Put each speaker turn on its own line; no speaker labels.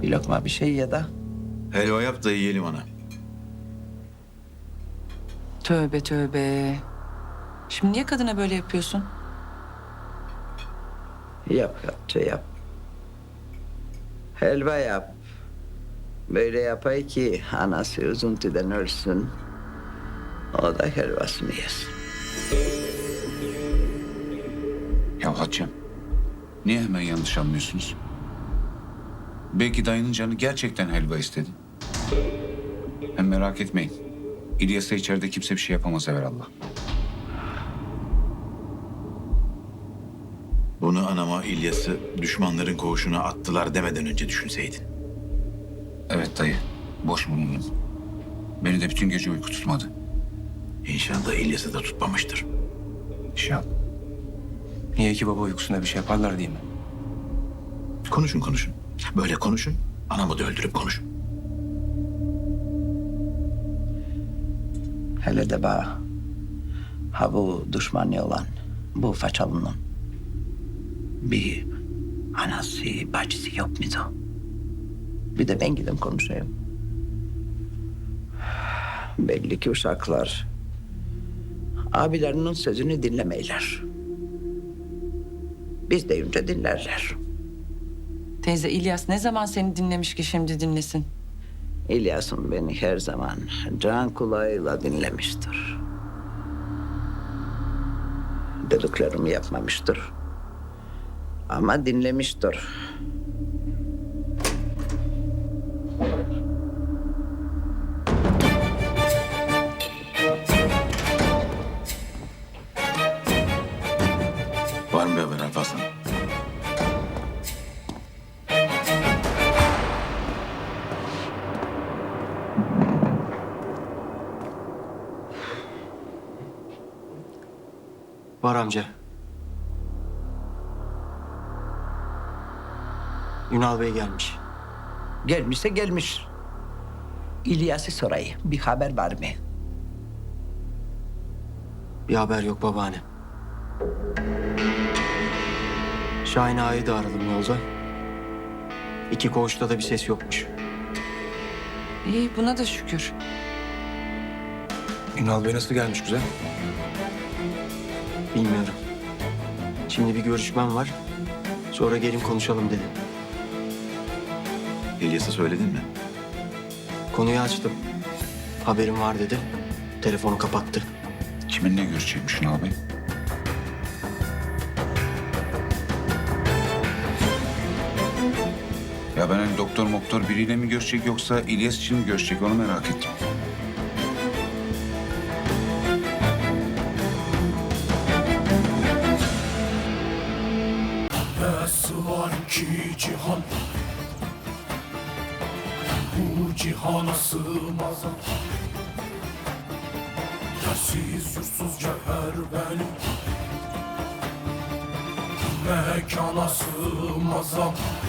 Bir lokma bir şey ya da.
Helva yap da yiyelim ana.
Tövbe tövbe. Şimdi niye kadına böyle yapıyorsun?
Yap Hatice yap. Helva yap. Böyle yapay ki anası üzüntüden ölsün. O da helvasını yesin.
Ya Hatice'm, niye hemen yanlış anlıyorsunuz? Belki dayının canı gerçekten helva istedi. Hem merak etmeyin. İlyas'a içeride kimse bir şey yapamaz evvelallah.
Bunu anama İlyas'ı düşmanların koğuşuna attılar demeden önce düşünseydin.
Evet dayı, boş bulundum. Beni de bütün gece uyku tutmadı.
İnşallah İlyas'ı da tutmamıştır.
İnşallah.
Niye ki baba uykusunda bir şey yaparlar diye mi?
Konuşun. Böyle konuşun. Anamı da öldürüp konuşun.
Hele de bana. Ha bu düşmanı olan, bu façalının bir anası, bacısı yok muydu? Bir de ben gidip konuşayım. Belli ki uşaklar abilerinin sözünü dinlemeyler. Biz deyince dinlerler.
Teyze İlyas ne zaman seni dinlemiş ki şimdi dinlesin?
İlyas'ım beni her zaman can kulağıyla dinlemiştir. Dediklerimi yapmamıştır. Ama dinlemiştir.
Var mı bir haber Alparslan?
Var amca. Ünal Bey gelmiş.
Gelmişse gelmiş. İlyas'ı sorayım. Bir haber var mı?
Bir haber yok babaanne. Şahin Ağa'yı da aradım yolda. 2 koğuşta da bir ses yokmuş.
İyi buna da şükür.
Ünal Bey nasıl gelmiş güzel? Bilmiyorum. Şimdi bir görüşmem var. Sonra gelin konuşalım dedi.
İlyas'a söyledin mi?
Konuyu açtım. Haberim var dedi. Telefonu kapattı.
Kiminle görüşecekmiş Ünal Bey? Ya ben hani doktor biriyle mi görüşecek yoksa İlyas için mi görüşecek onu merak ettim.
Nasıl var ki cihan, bu cihana sığmaz. Yersiz yursuz cevher benim, mekana sığmaz.